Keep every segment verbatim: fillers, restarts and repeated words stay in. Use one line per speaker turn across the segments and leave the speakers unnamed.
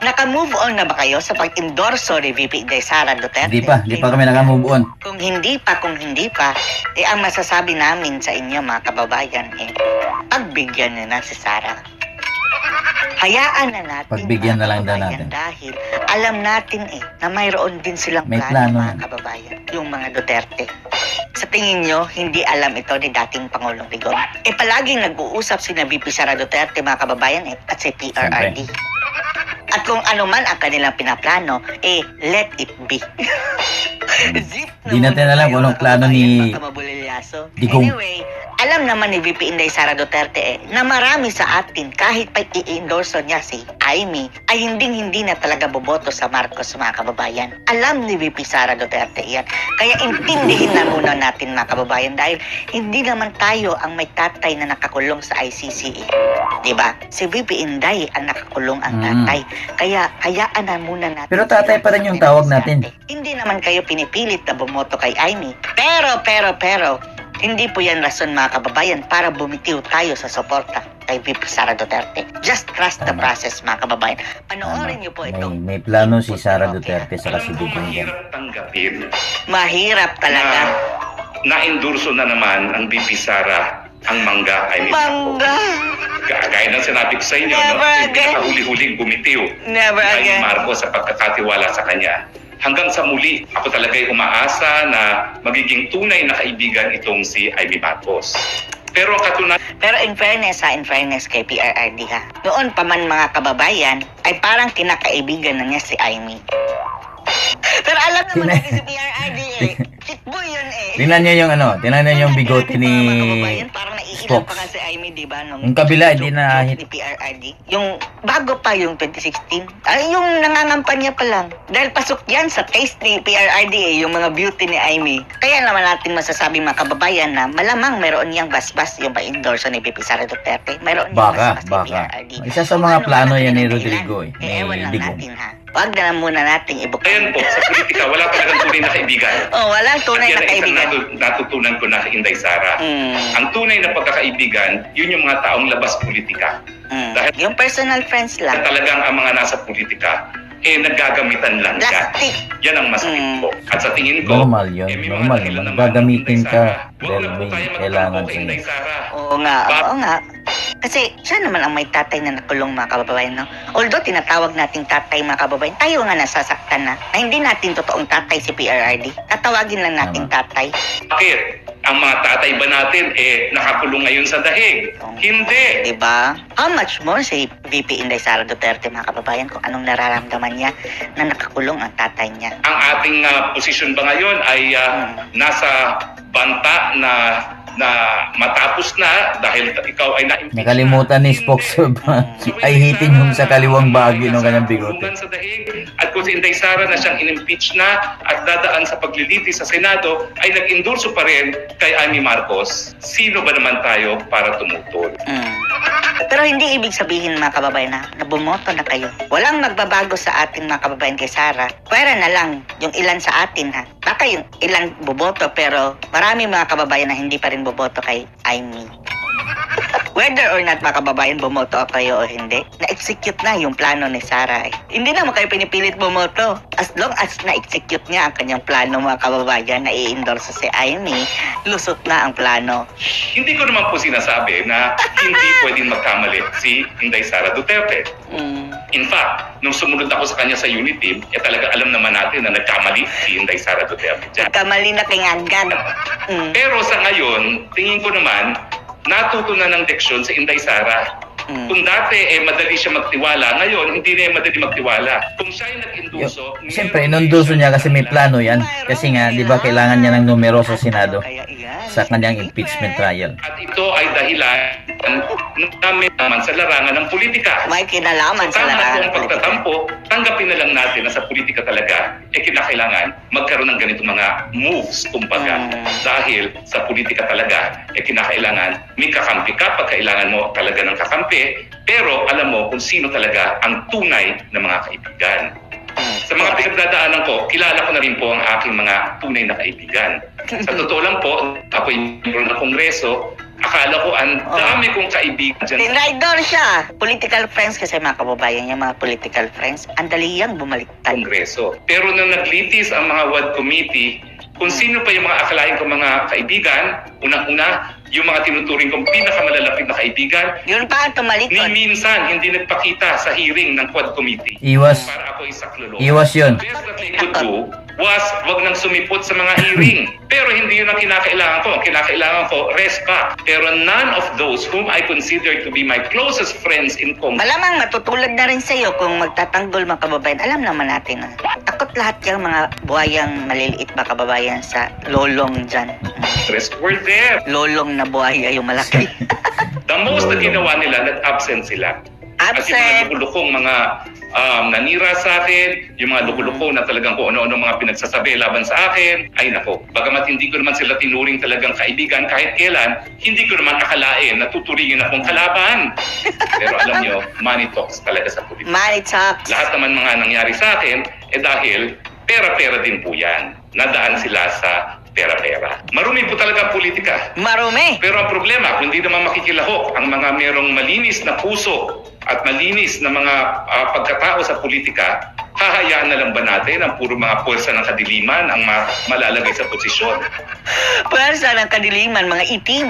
Naka-move on na ba kayo sa pag-endorso ni V P Inday Sara Duterte?
Hindi pa, hindi pa kami naka-move on.
Kung hindi pa, kung hindi pa, eh ang masasabi namin sa inyo mga kababayan, eh, pagbigyan nyo na si Sara. Hayaan na natin.
Pagbigyan na lang daw
kababayan,
natin.
Dahil alam natin eh, na mayroon din silang
May
plano,
plano
mga
yan.
kababayan. Yung mga Duterte. Sa tingin nyo, hindi alam ito ni dating Pangulong Digong. Eh palaging nag-uusap si V P Sara Duterte, mga kababayan, eh, at si P R R D. At kung ano man ang kanilang pinaplano, eh, let it be. Zip
Di natin alam kung anong plano ni Digong.
Anyway, alam naman ni V P Inday Sara Duterte eh, na marami sa atin kahit pa i-endorso niya si Amy ay hinding-hindi na talaga boboto sa Marcos, mga kababayan. Alam ni V P Sara Duterte yan. Kaya intindihin na muna natin, mga kababayan, dahil hindi naman tayo ang may tatay na nakakulong sa I C C eh. Diba? Si V P Inday ang nakakulong ang tatay.
Mm.
Kaya hayaan na muna natin.
Pero tatay pa rin yung tawag natin.
Hindi naman kayo pinipilit na bumoto kay Amy. Pero, pero, pero, hindi po yan rason, mga kababayan, para bumitiw tayo sa suporta kay V P Sara Duterte. Just trust the
Tama.
process, mga kababayan. Panoorin
Tama.
niyo po
May,
ito.
may plano si Sara Duterte sa
Alam mo,
Digong yan.
mahirap tanggapin
Mahirap talaga.
na na-endorso na naman ang B P Sara ang mangga ay
Mangga.
Gaya ng sinabi ko sa inyo,
Never
no? Yung
again.
pinakahuli-huling bumitiw
Never
kay
again.
Marcos sa pagkakatiwala sa kanya. Hanggang sa muli, ako talaga'y umaasa na magiging tunay na kaibigan itong si Amy Marcos. Pero ang katunayan,
Pero in fairness ha, in fairness kay P R R D ha, noon pa man, mga kababayan, ay parang kinakaibigan na niya si Amy. Pero alam naman
Tina-
natin si P R R D eh. Shitboy yun eh.
Tingnan niyo yung ano, tingnan niyo yung bigote ni
Parang naiilang
Spock.
pa nga si Amy, di ba? Nung
Yung kabila, hindi
joke-
na
joke
hit.
ni P R R D. Yung bago pa yung twenty sixteen. Ay, yung nangangampanya pa lang. Dahil pasok yan sa taste ni P R R D eh, yung mga beauty ni Amy. Kaya naman natin masasabi, mga kababayan, na malamang meron niyang basbas yung pa-endorso ni P P Sara Duterte. Meron niyang
Baka,
basbas ni
baka.
P R R D.
Isa sa
Kung
mga
ano
plano
man
yan ni
ang
Rodrigo
dahilan,
eh,
eh, ewan
ni
lang
Digong.
natin ha. Huwag na lang muna nating
ayan
ibukan.
po, sa politika, wala talagang tunay na kaibigan.
Oh, walang tunay
At
na
yan ang isang
kaibigan.
natu- natutunan ko na kay Inday Sara.
Mm,
Ang tunay na pagkakaibigan, yun yung mga taong labas politika.
mm.
Dahil-
Yung personal friends lang.
Talagang ang mga nasa politika, eh naggagamitan lang ka.
Plastic.
Yan ang masakit
Mm.
po. At sa tingin ko,
Normal yun,
eh, may mga
normal
dahilan
naman.
naman
Gagamitin
ng Inday
ka
Sara. Huwag
dahil
na po
may
tayo
kailangan
magtampo kay
sa'yo.
Inday Sara.
Oo nga,
Ba-
oo nga. Kasi siya naman ang may tatay na nakulong, mga kababayan, no? Although tinatawag nating tatay, mga kababayan, tayo nga nasasaktan na, na hindi natin totoong tatay si P R R D. Tatawagin lang nating tatay.
Bakit? Ang mga tatay ba natin eh nakakulong ngayon sa dahig? Hindi.
Diba? How much more si V P Inday Sara Duterte, mga kababayan, kung anong nararamdaman niya na nakakulong ang tatay niya.
Ang ating ah, posisyon ba ngayon ay ah, nasa banta na na matapos na dahil ikaw ay na-impeach
Nakalimutan ni Spock
na.
ay hitin yung sa kaliwang bahagi ng kanyang bigote.
Kulungan sa dahig. At kung si Inday Sara na siyang in-impeach na at dadaan sa paglilitis sa Senado, ay nag-endorso pa rin kay Amy Marcos. Sino ba naman tayo para tumutol?
Mm. Pero hindi ibig sabihin, mga kababayan, na, na bumoto na kayo. Walang magbabago sa atin, mga kababayan, kay Sara. Pwera na lang yung ilan sa atin, ha. Baka yung ilan boboto, pero marami, mga kababayan, na hindi pa rin boboto kay Amy. Whether or not, mga kababayan, bumoto kayo o hindi, na-execute na yung plano ni Sara. Eh. Hindi naman kayo pinipilit bumoto. As long as na-execute niya ang kanyang plano, mga kababayan, na i-endorse si Amy, lusot na ang plano.
Hindi ko naman po sinasabi na hindi pwedeng magkamali si Inday Sara Duterte.
Mm.
In fact, nung sumunod ako sa kanya sa Unity, eh talaga alam naman natin na nagkamali si Inday Sara Duterte dyan.
Kamali na kingangan. Mm.
Pero sa ngayon, tingin ko naman, natuto na ng leksyon si Inday Sara.
Mm.
Kung dati eh madali siya magtiwala, ngayon hindi na madali magtiwala. Kung siya ay
Yo,
nag-induso,
Siyempre, inundulso niya kasi may plano yan. Kasi nga, di ba, kailangan niya ng numero sa Senado
Kaya iyan.
sa kanyang impeachment trial.
at ito ay dahilan namin naman sa larangan ng politika.
May kinalaman sa
Tama po
larangan
ang
ng politika.
pagtatampo, tanggapin na lang natin na sa politika talaga, eh kinakailangan magkaroon ng ganitong mga moves, kumbaga.
Mm.
Dahil sa politika talaga, eh kinakailangan may kakampi ka pag kailangan mo talaga ng kakampi, pero alam mo kung sino talaga ang tunay na mga kaibigan.
Mm.
Sa mga pinagdadaanan ko, kilala ko na rin po ang aking mga tunay na kaibigan. Sa totoo lang po, ako ay membro ng Kongreso Akala ko ang
Oh.
dami kong kaibigan dyan sa
Tinraidor siya. Political friends kasi mga kababayan, yung mga political friends, ang dali yang bumaliktad.
Kongreso. Pero nung naglitis ang mga W A D committee, kung sino pa yung mga akalain kong mga kaibigan, unang-una, yung mga tinuturing kong pinakamalalapit na kaibigan,
Yun pa ang
ni
tumalikod.
minsan hindi nagpakita sa hearing ng Quad Committee.
Iwas,
Para ako isaklolo.
iwas yun.
The best that they could do was wag nang sumipot sa mga hearing. Pero hindi yun ang kinakailangan ko. Ang kinakailangan ko, rest back. Pero none of those whom I consider to be my closest friends in Congress,
Malamang matutulad na rin sa'yo kung magtatanggol mga kababayan. Alam naman natin na takot lahat yung mga buhayang maliliit mga kababayan sa lolong dyan.
were there.
Lolong na buhaya yung malaki.
The most na ginawa nila, nag-absent sila. At yung mga
Absent.
lukulukong mga um, nanira sa akin, yung mga lukulukong na talagang kung ano-ano mga pinagsasabi laban sa akin, ay nako, bagamat hindi ko naman sila tinuring talagang kaibigan kahit kailan, hindi ko naman akalain na tuturingin akong kalaban. Pero alam nyo, money talks talaga sa politika.
Money talks.
Lahat naman mga nangyari sa akin, eh dahil pera-pera din po yan. Nadaan sila sa pera-pera. Marumi po talaga ang politika.
Marumi.
Pero ang problema, kung hindi naman makikilahok ang mga merong malinis na puso at malinis na mga ah, pagkatao sa politika, hahayaan na lang ba natin ang puro mga puwersa ng kadiliman ang ma- malalagay sa posisyon?
Pwersa ng kadiliman, mga itim.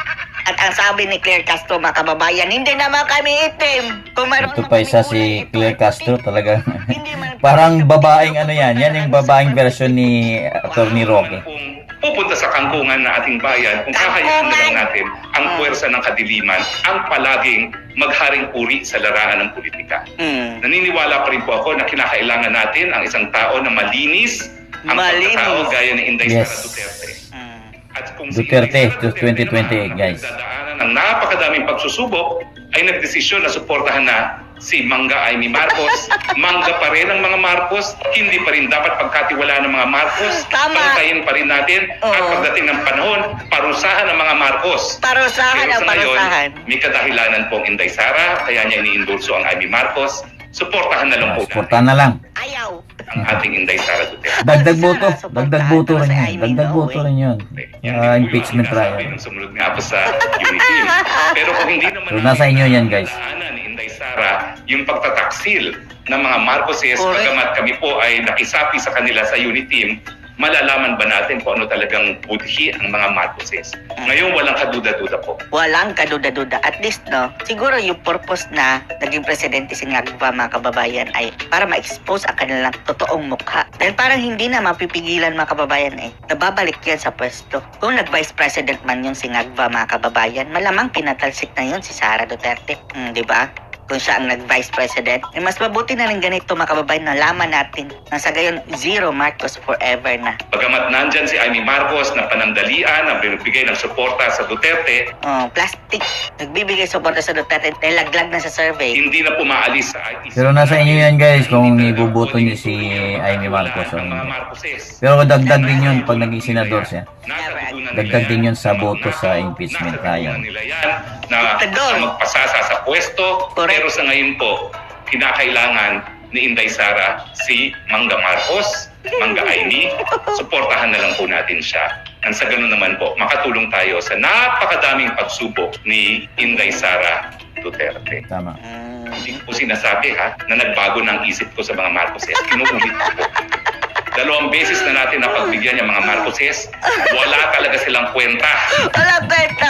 At ang sabi ni Claire Castro, mga kababayan, hindi naman kami itim. Kung mayroon
Ito
naman
pa
kami
isa
kulay
si
itim,
Claire Castro talaga.
hindi man-
Parang babaeng ano yan. Yan yung babaeng version ni Attorney Roque.
Kung pupunta sa kangkungan na ating bayan, kung hahayaan na lang natin ang puwersa ng kadiliman ang palaging magharing uri sa larangan ng politika.
Hmm.
Naniniwala pa rin po ako na kinakailangan natin ang isang tao na malinis ang
Malinis.
pagkatao gaya ni Inday
Yes.
Sara Duterte.
Hmm.
At kung si
Duterte,
Inday Sara
to twenty twenty-eight,
naman ang
guys.
pinagdadaanan ng napakadaming pagsusubok, ay nagdesisyon na suportahan na si Mangga Amy Marcos. Mangga pa rin ang mga Marcos, hindi pa rin dapat pagkatiwalaan ng mga Marcos.
Tama.
Pantayin pa rin natin at
Oo.
pagdating ng panahon, parusahan ang mga Marcos.
Parusahan
Pero
ang
sa ngayon,
parusahan.
may kadahilanan pong Inday Sara, kaya niya iniindulso ang Amy Marcos. Suportahan na lang po natin
Suportahan na lang.
Ayaw.
ang ating Inday Sara Duterte.
Dagdag boto.
Suportahan
Dagdag boto
daw
rin
si
yan.
Amy
Dagdag
Noe.
boto rin yun.
Yan
Ah,
din po
impeachment
yung sinasabi
trial.
nung sumunod nga po sa unity. Pero kung hindi naman
So, nasa inyo yan, guys.
nadaanan ni Inday Sara yung pagtataksil ng mga Marcoses,
Correct.
bagamat kami po ay nakisapi sa kanila sa unity team, malalaman ba natin kung ano talagang budhi ang mga Marcoses? Ngayon walang kaduda-duda po.
Walang kaduda-duda. At least, no, siguro yung purpose na naging presidente si Ngagba, mga kababayan, ay para ma-expose ang kanilang totoong mukha. Dahil parang hindi na mapipigilan, mga kababayan, eh. Nababalik yan sa pwesto. Kung nag-vice president man yun si Ngagba, mga kababayan, malamang pinatalsik na yun si Sara Duterte. Hmm, di ba? Kung siya ang nag-vice president, eh mas mabuti na rin ganito, mga kababayan, na laman natin na sa gayon, zero Marcos forever na.
Bagamat nandyan si Amy Marcos na panandalian, na binibigay ng suporta sa Duterte,
Oh, plastic. Nagbibigay suporta sa Duterte dahil laglag na sa survey.
hindi na pumaalis sa I T C.
Pero nasa inyo yan, guys, kung
Hindi talaga
ibuboto
pwedeng
niyo si
tuloy
Amy Marcos o
ang mga
hindi.
Marcoses.
Pero dagdag din yun pag naging senador siya.
Nasa dudunan nila
Dagdag
yan.
din yun sa
Na
boto
magnakaw,
sa impeachment
nasa
trial.
dudunan nila yan na,
Diktador.
na magpasasa sa pwesto.
Correct.
Pero sa ngayon po, kinakailangan ni Inday Sara si Mangga Marcos, Mangga Amy. Suportahan na lang po natin siya. Nang sa ganun naman po, makatulong tayo sa napakadaming pagsubok ni Inday Sara Duterte.
Tama.
Hmm.
Hindi ko po sinasabi ha, na nagbago ng isip ko sa mga Marcoses. Kinuulit ko po. Dalawang beses na natin napagbigyan yung mga Marcoses, wala talaga silang kwenta.
Wala kwenta.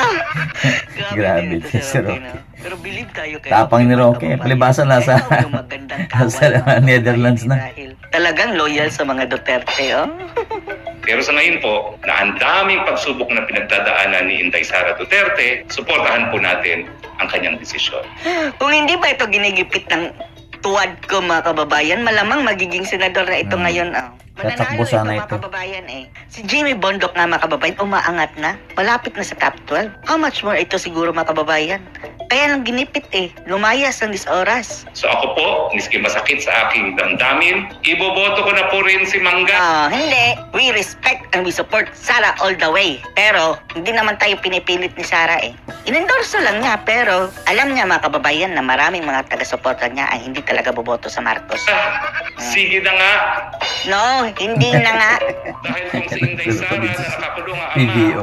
Grabe,
din ito,
si Roque.
no? Pero believe tayo kay
Tapang ni Roque.
mga kababayan.
Palibasa nasa-
Kaya yung magandang
nasa
kawan,
Netherlands na.
dahil talagang loyal sa mga Duterte, oh.
Pero sa ngayon po, na ang daming pagsubok na pinagdadaanan ni Inday Sara Duterte, suportahan po natin ang kanyang desisyon.
Kung hindi ba ito ginigipit ng tuwad ko, mga kababayan, malamang magiging senador na ito
Hmm.
ngayon, oh.
Tatakbo
Mananalo
sana
mga
ito.
kababayan, eh. Si Jimmy Bondok nga, mga kababayan, umaangat na. Malapit na sa top twelve. How much more ito siguro, mga kababayan? Kaya nang ginipit, eh. Lumayas ng dis oras.
So ako po, miski masakit sa aking damdamin, iboboto ko na po rin si Mangga.
Ah, hindi. We respect and we support Sara all the way. Pero, hindi naman tayo pinipilit ni Sara eh. Inendorso lang niya, pero alam niya, mga kababayan, na maraming mga taga-suporta niya ay hindi talaga boboto sa Marcos.
Ah, sige na nga,
No, hindi na nga.
dahil kung si Inday Sara na nakakulong ang
P B O.
ama,
Oh,
na si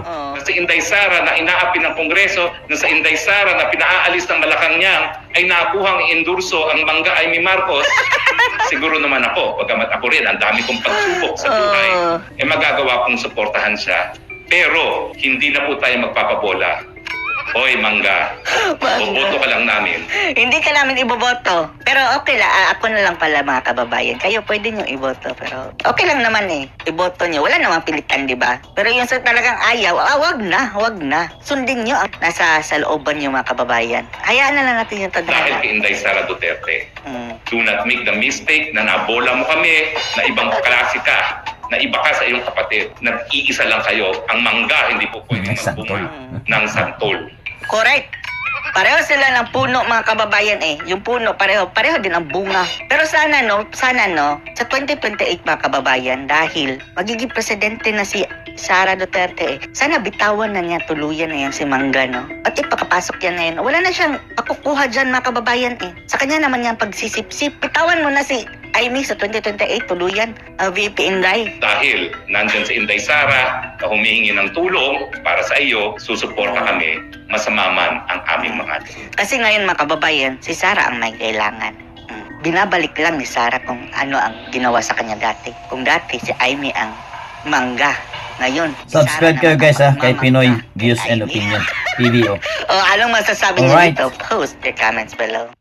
sa Inday Sara na inaapi ng Kongreso, na sa Inday Sara na pinaalis ng Malacanang ay nakuhang endurso ang Mangga Amy Marcos, siguro naman ako, bagamat ako rin, ang dami kong pagsubok sa buhay,
Oh.
eh magagawa kong suportahan siya. Pero hindi na po tayo magpapabola. Hoy, Mangga, boboto ka lang namin.
Hindi ka namin iboboto. Pero okay lang, ah, ako na lang pala mga kababayan. Kayo pwede nyo iboto, pero okay lang naman eh. Iboto nyo, wala namang pilitan, di ba? Pero yung sa talagang ayaw, ah, wag na, wag na. Sundin nyo ang nasa sa looban nyo mga kababayan. Hayaan na lang natin yung
Dahil
tadhana.
kay Inday Sara Duterte,
Mm.
do not make the mistake na nabola mo kami, na ibang klase ka, na iba ka sa iyong kapatid. Nag-iisa lang kayo. Ang Mangga hindi po pwedeng
Santol.
magbunga ng santol.
Correct. Pareho sila ng puno mga kababayan eh. Yung puno pareho, pareho din ang bunga. Pero sana no, sana no, sa twenty twenty-eight mga kababayan, dahil magiging presidente na si Sara Duterte eh, sana bitawan na niya tuluyan na yan si Mangga, no? At ipakapasok yan na yan. Wala na siyang pakukuha dyan mga kababayan eh. Sa kanya naman yan pagsisip-sip. Bitawan mo na si Amy sa twenty twenty-eight tuluyan, uh, V P Inday.
Dahil nandyan sa Inday Sara na humihingi ng tulong para sa iyo, susuporta kami, masama man ang aming mga tingin.
Kasi ngayon mga kababayan, si Sara ang may kailangan. Mm. Binabalik lang ni Sara kung ano ang ginawa sa kanya dati. Kung dati si Amy ang Mangga. Ngayon, si
Subscribe
Sara
kayo
naman
guys ha,
ang
kay
mamangga
Pinoy
kay
Views and
Amy.
Opinion. P V O.
O anong masasabi niyo
Alright.
dito? Post your comments below.